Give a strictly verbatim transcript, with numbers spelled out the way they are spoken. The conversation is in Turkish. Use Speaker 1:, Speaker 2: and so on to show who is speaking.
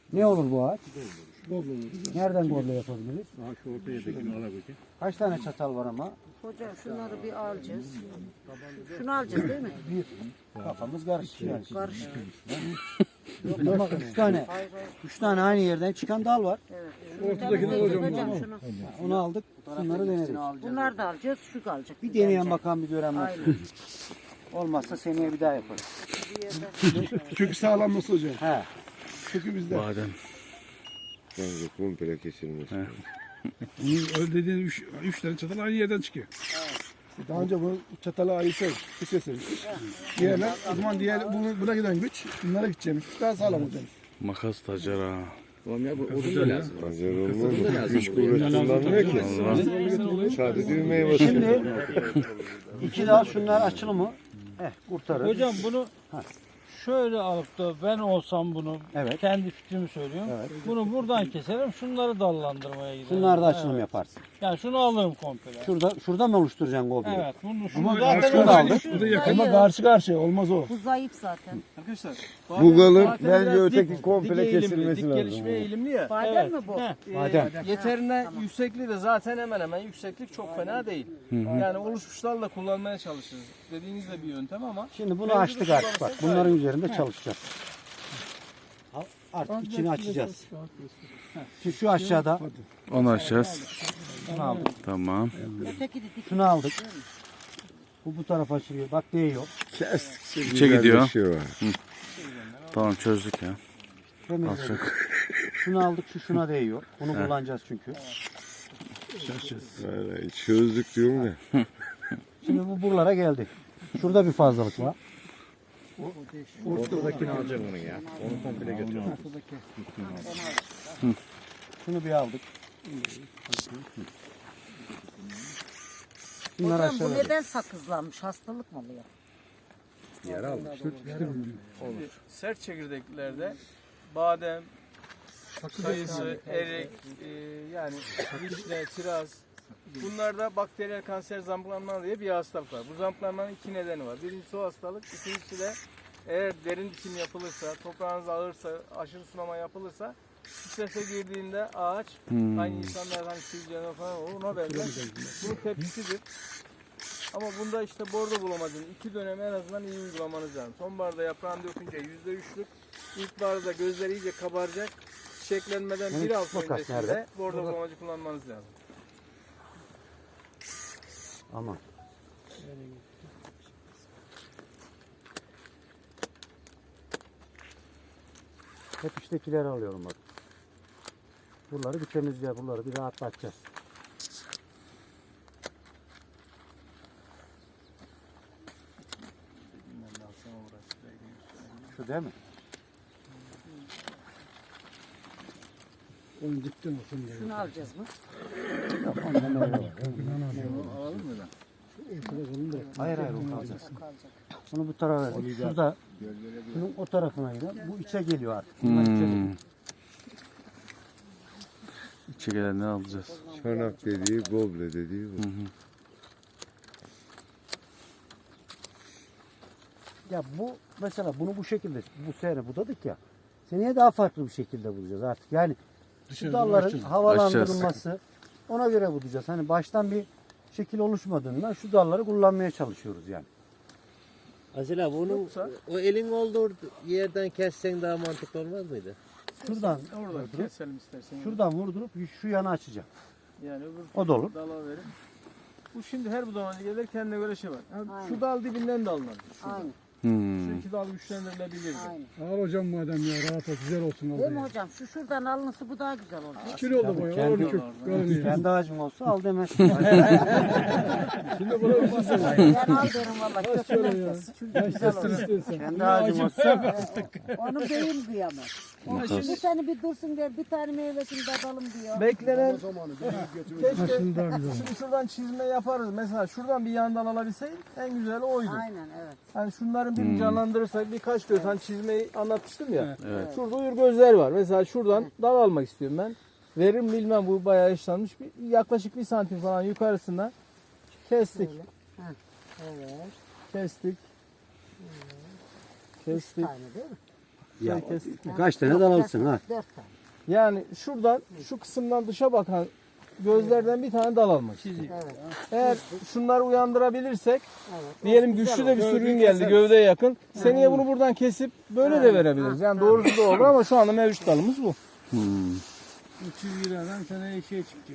Speaker 1: Ne olur bu ağaç?
Speaker 2: Goblo olur.
Speaker 1: Nereden goblo yapabiliriz?
Speaker 2: Aha şu ortayadakini alabilir.
Speaker 1: Kaç tane çatal var ama?
Speaker 3: Hocam şunları bir alacağız. Şunu alacağız değil mi?
Speaker 1: Bir. Kafamız karışık yani.
Speaker 3: Karışık.
Speaker 1: Yok, üç tane.
Speaker 3: Hayır hayır.
Speaker 1: Üç tane aynı yerden çıkan dal var.
Speaker 3: Evet.
Speaker 2: Ortadakini alacağım
Speaker 3: Hocam
Speaker 2: bunu.
Speaker 3: şunu.
Speaker 1: Onu aldık. Bunları denedik.
Speaker 3: Bunları da alacağız. Şu kalacak.
Speaker 1: Bir deneyen bakan bir gören var.
Speaker 3: Aynen.
Speaker 1: Olmazsa seneye bir daha yaparız.
Speaker 3: Bir yerden.
Speaker 2: Kökü sağlanması hocam.
Speaker 1: He.
Speaker 2: Kökü bizde.
Speaker 4: Badem.
Speaker 5: Bence komple kesilmesi.
Speaker 2: Bunun öyle dediğin üç, üç tane çatal aynı yerden çıkıyor. Daha önce bu çatalı ayırsak, kesilmiş. Diğerler, o zaman diğer bunu, buna giden güç, bunlara gideceğimiz. Daha sağlam olacağız.
Speaker 4: Makas tacara.
Speaker 5: Acar olmaz mı? Güç kuvvet kullanmıyor ki. Sadece düğmeye basıyor.
Speaker 1: Şimdi iki dal şunlar açılı mı? Eh kurtarır.
Speaker 6: Hocam bunu şöyle alıp da ben olsam bunu
Speaker 1: Evet.
Speaker 6: kendi fikrimi söylüyorum.
Speaker 1: Evet.
Speaker 6: Bunu buradan keserim, şunları dallandırmaya giderim.
Speaker 1: Şunlar da açılım
Speaker 6: Evet.
Speaker 1: yaparsın.
Speaker 6: Yani şunu alırım komple.
Speaker 1: Şurada şurada mı oluşturacaksın gobleyi?
Speaker 6: Evet, bunu şunu
Speaker 1: Ama
Speaker 6: zaten
Speaker 1: şunu da aldık.
Speaker 2: Bu da yakın. Ama karşı karşıya olmaz o.
Speaker 3: Bu zayıf zaten.
Speaker 7: Arkadaşlar
Speaker 5: Bu kalın
Speaker 7: badem
Speaker 5: bence
Speaker 7: biraz
Speaker 5: öteki
Speaker 7: dik-
Speaker 5: komple
Speaker 7: dik eğilimli,
Speaker 5: kesilmesi
Speaker 7: dik
Speaker 5: lazım.
Speaker 7: gelişmeye eğilimli ya.
Speaker 3: Badem
Speaker 6: Evet.
Speaker 3: mi bu?
Speaker 6: Heh.
Speaker 7: Ee,
Speaker 1: Badem.
Speaker 7: Yeterine
Speaker 3: Tamam.
Speaker 7: yüksekliği de zaten hemen hemen yükseklik çok fena değil. Yani oluşmuşlarla kullanmaya çalışırız. Dediğiniz de bir yöntem ama
Speaker 1: Şimdi bunu açtık artık bak. Bunların üzerinde çalışacağız. Al, Artık içini açacağız. Şimdi şu aşağıda
Speaker 4: Onu açacağız.
Speaker 1: şunu aldık.
Speaker 4: Tamam.
Speaker 3: Öteki de dik.
Speaker 1: Şunu aldık. Bu bu tarafa açılıyor. Bak değiyor.
Speaker 5: Kestikçe
Speaker 4: İçe gidiyor.
Speaker 5: güzelleşiyor.
Speaker 4: Tamam çözdük ya.
Speaker 1: Temizledik.
Speaker 4: Az çok.
Speaker 1: Şunu aldık. Şu şuna değiyor. Bunu kullanacağız çünkü.
Speaker 5: Vallahi çözdük diyorum ya.
Speaker 1: Şimdi bu buralara geldi. Şurada bir fazlalık var.
Speaker 2: Ortadakini alacağım onu ya. Onu komple götürüyorum.
Speaker 1: Şunu bir aldık. Bunlar
Speaker 3: Hocam bu
Speaker 1: aşağıda.
Speaker 3: neden sakızlanmış? Hastalık mı oluyor?
Speaker 7: sert çekirdeklerde badem, kayısı, erik, e, yani vişne, kiraz, bunlarda bakteriyel kanser zamplanma diye bir hastalık var. Bu zamplanmanın iki nedeni var. Birincisi o hastalık, ikincisi de eğer derin dikim yapılırsa, toprağınız ağırsa, aşırı sulama yapılırsa strese girdiğinde ağaç, aynı insanlar hani sivilceler falan olur, ona benzer. Bunun tepkisidir. Ama bunda işte bordo bulamacının iki dönemi en azından iyi uygulamanız lazım. Sonbaharda yaprağını dökünce yüzde üçlük, ilkbaharda gözleri iyice kabaracak, çiçeklenmeden bir hafta
Speaker 1: makas
Speaker 7: öncesinde
Speaker 1: nerede?
Speaker 7: bordo bulamacı kullanmanız lazım.
Speaker 1: Aman. Hep iştekileri alıyorum bak. Buraları bir temizleyeceğiz. Buraları bir rahatlatacağız. Şu değil mi?
Speaker 2: Onu dipten olsun diye.
Speaker 3: Şunu alacağız mı?
Speaker 1: Hayır hayır o kalacak.
Speaker 3: O kalacak.
Speaker 1: Bunu bu tarafa verdik. Şurada şunun o tarafına gidelim. Bu içe geliyor artık. Bunlar içe geliyor.
Speaker 4: Hmm. İçe gelenleri alacağız.
Speaker 5: Çanak dediği, goble dediği bu.
Speaker 1: Ya bu mesela bunu bu şekilde bu sene budadık ya. Seneye daha farklı bir şekilde bulacağız artık. Yani şu dalların havalandırılması ona göre bulacağız. Hani baştan bir şekil oluşmadığından şu dalları kullanmaya çalışıyoruz yani.
Speaker 8: Asil abi onun o elin olduğu yerden kessen daha mantıklı olmaz mıydı?
Speaker 1: Şuradan
Speaker 7: Oradan
Speaker 1: vurdurup,
Speaker 7: keselim istersen.
Speaker 1: şuradan vurdurup şu yana açacağım.
Speaker 7: Yani öbür
Speaker 1: O da olur.
Speaker 7: dala verin. Bu şimdi her budamacı gelir kendine göre şey var. Yani
Speaker 3: Aynen.
Speaker 7: şu dal dibinden de alınır.
Speaker 3: Aynen.
Speaker 4: Hmm.
Speaker 7: Şu iki dal güçlendirilebilir.
Speaker 3: Aynen.
Speaker 2: Al hocam madem ya rahat ol güzel olsun
Speaker 3: Değil mi
Speaker 2: orada.
Speaker 3: hocam? Şu şuradan alınırsa bu daha güzel olacak.
Speaker 2: Kül oldu bu ya.
Speaker 1: Kendi-
Speaker 2: Orada kök. Görünüyor.
Speaker 1: Kendi ağacım olsa al demez.
Speaker 2: Şimdi buna bir şey söyleyeyim.
Speaker 3: Ben al derim valla. Kökünden kes. Çünkü güzel olur.
Speaker 1: Kendi ağacım olsa
Speaker 3: Onu beyin kıyamaz. O şimdi seni bir dursun der, bir tane meyvesini de alalım diyor.
Speaker 7: Beklenen keşke
Speaker 2: Aslında güzel.
Speaker 7: şimdi şuradan çizme yaparız. Mesela şuradan bir yandan alabilseydik en güzeli oydu.
Speaker 3: Aynen evet.
Speaker 7: Hani şunların bir canlandırırsak birkaç göz hani çizmeyi anlatmıştım ya. Şurada uyur gözler var. Mesela şuradan dal almak istiyorum ben. Verim bilmem bu bayağı işlenmiş. Bir, yaklaşık bir santim falan yukarısına kestik.
Speaker 3: Evet.
Speaker 7: Kestik.
Speaker 3: Üç
Speaker 7: Kestik.
Speaker 3: tane değil mi?
Speaker 1: Ya,
Speaker 7: kestik mi?
Speaker 1: kaç tane dal alırsın ha?
Speaker 3: Dört tane.
Speaker 7: Yani şuradan şu kısımdan dışa bakan gözlerden bir tane dal almak.
Speaker 3: Evet.
Speaker 7: Eğer şunları uyandırabilirsek
Speaker 3: Evet.
Speaker 7: diyelim güçlü de bir sürün geldi gövdeye yakın. Seneye bunu buradan kesip böyle de verebiliriz. Yani doğrusu da olur ama şu anda mevcut dalımız bu.
Speaker 6: Bu çizgilerden seneye şey çıkacak.